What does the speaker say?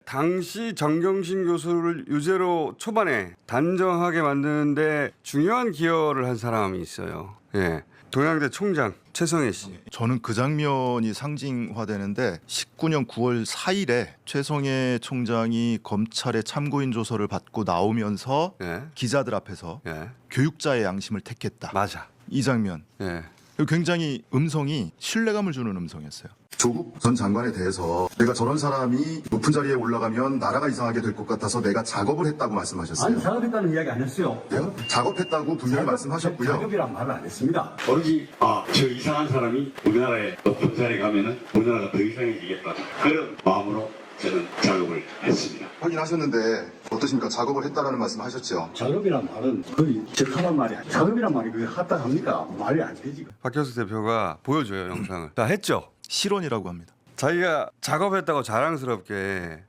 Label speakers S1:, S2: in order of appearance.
S1: 당시 정경심 교수를 유죄로 초반에 단정하게 만드는데 중요한 기여를 한 사람이 있어요. 예. 동양대 총장 최성해 씨.
S2: 저는 그 장면이 상징화되는데 19년 9월 4일에 최성해 총장이 검찰의 참고인 조서를 받고 나오면서
S1: 예.
S2: 기자들 앞에서
S1: 예.
S2: 교육자의 양심을 택했다.
S1: 맞아.
S2: 이 장면
S1: 예.
S2: 굉장히 음성이 신뢰감을 주는 음성이었어요.
S3: 조국 전 장관에 대해서 내가 저런 사람이 높은 자리에 올라가면 나라가 이상하게 될 것 같아서 내가 작업을 했다고 말씀하셨어요.
S4: 아니 작업했다는 이야기 안 했어요.
S3: 네? 작업했다고 분명히 말씀하셨고요.
S4: 작업이란 말을 안 했습니다.
S5: 오로지 저 이상한 사람이 우리나라에 높은 자리에 가면은 우리나라가 더 이상해지겠다 그런 마음으로 저는 작업을 했습니다.
S3: 확인하셨는데 어떠십니까? 작업을 했다라는 말씀하셨죠.
S4: 작업이란 말은 거의 적합한 말이 아니에요. 작업이란 말이 그게 합당합니까? 말이 안 되지.
S1: 박효수 대표가 보여줘요 영상을. 다 했죠.
S2: 실언이라고 합니다.
S1: 자기가 작업했다고 자랑스럽게